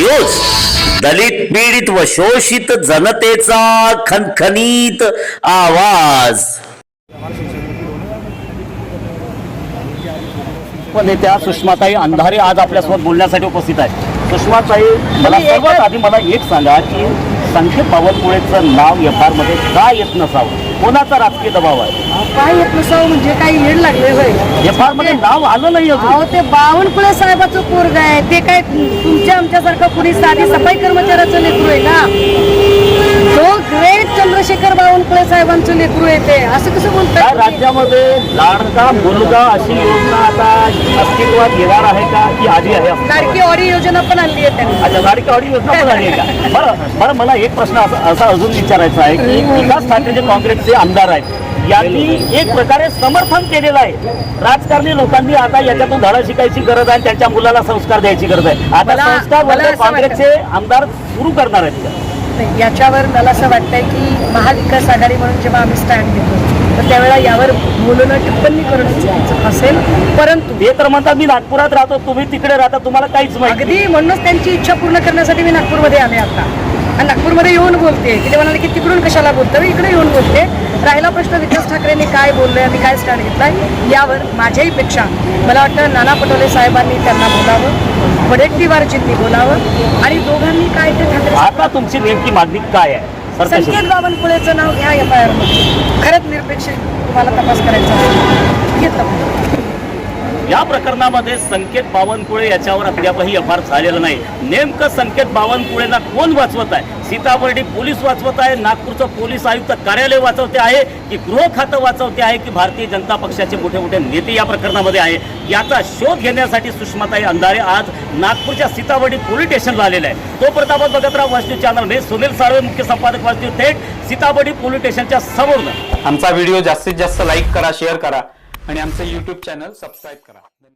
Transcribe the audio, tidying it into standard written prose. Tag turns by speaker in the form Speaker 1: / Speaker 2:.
Speaker 1: News, दलित पीडित व शोषित जनतेचा खणखणीत आवाज। नेत्या सुषमाताई अंधारे आज आपल्यासोबत बोलण्यासाठी उपस्थित आहे। सुषमाताई, मला सर्वात आधी मला एक सांगा की संकेत बावनकुळेचं नाव FR मध्ये का येत नसावं? कोणाचा राजकीय दबाव आहे?
Speaker 2: काय येत नसावं म्हणजे काही येड लागले होय?
Speaker 1: FR मध्ये नाव आलं नाही अजून।
Speaker 2: ते बावनकुळे साहेबाचं पोरग आहे, ते काय तुमच्या आमच्यासारखं कुणी साधी सफाई कर्मचाऱ्याचं लेकरू आहे का? तो ग्रेट चंद्रशेखर बावनकुळे साहेबांचं लेकरू आहे ते, असं कसं बोलताय?
Speaker 1: राज्यामध्ये लाडका मुलगा अशी योजना आता अस्तित्वात येणार आहे का की आधी आहे?
Speaker 2: लाडकी ऑडी योजना पण आणली आहे त्यांनी।
Speaker 1: अच्छा, लाडकी ऑडी योजना पण आली आहे का? बरं मला एक प्रश्न असा अजून विचारायचा आहे की विकास ठाकरे जे काँग्रेसचे आमदार आहेत यांनी एक प्रकारे समर्थन केलेलं आहे। राजकारणी लोकांनी आता याच्यातून धडा शिकायची गरज आहे, त्यांच्या मुलाला संस्कार द्यायची गरज आहे। आता संस्कार वर्ग काँग्रेसचे आमदार सुरू करणार आहेत का?
Speaker 2: याच्यावर मला असं वाटतंय की महाविकास आघाडी म्हणून जेव्हा आम्ही स्टँड घेतो तर त्यावेळेला यावर बोलणं टिप्पणी करणं चुकीचं असेल, परंतु
Speaker 1: हे तर म्हणतात मी नागपुरात राहतो, तुम्ही तिकडे राहता, तुम्हाला काहीच माहिती।
Speaker 2: अगदी म्हणूनच त्यांची इच्छा पूर्ण करण्यासाठी मी नागपूरमध्ये आले आता, आणि नागपूरमध्ये येऊन बोलते की ते म्हणाले की तिकडून कशाला बोलतं, मी इकडे येऊन बोलते। राहिला प्रश्न विकास ठाकरेंनी काय बोलले आणि काय स्टँड घेतलाय यावर माझ्याही पेक्षा मला वाटतं नाना पटोले साहेबांनी त्यांना बोलावं, वडेट्टीवारजींनी बोलावं, आणि दोघांनी काय ते ठाकरे
Speaker 1: आता तुमची नेमकी मागणी काय आहे?
Speaker 2: संकेत बावनकुळेचं नाव घ्या FIR मध्ये, खरंच निरपेक्ष तुम्हाला तपास करायचा असेल घेतलं।
Speaker 1: या प्रकरणामध्ये संकेत बावनकुळे याच्यावर अद्यापही FR झालेलं नाही। नेमकं संकेत बावनकुळेला कोण वाचवत आहे? सीताबर्डी पोलीस वाचवत आहे, नागपूरचं पोलीस आयुक्त कार्यालय वाचवते आहे, की गृह खातं वाचवते आहे, की भारतीय जनता पक्षाचे मोठे मोठे नेते या प्रकरणामध्ये आहे? याचा शोध घेण्यासाठी सुषमाताई अंधारे आज नागपूरच्या सीताबर्डी पोलीस स्टेशनला आलेला आहे। तो प्रताप बघत राहा watch news channel. Sunil Salve, मुख्य संपादक वाच न्यूज, थेट सीताबर्डी पोलीस स्टेशनच्या समोर।
Speaker 3: आमचा व्हिडिओ जास्तीत जास्त लाईक करा, शेअर करा आणि आमचे YouTube चॅनल सबस्क्राईब करा।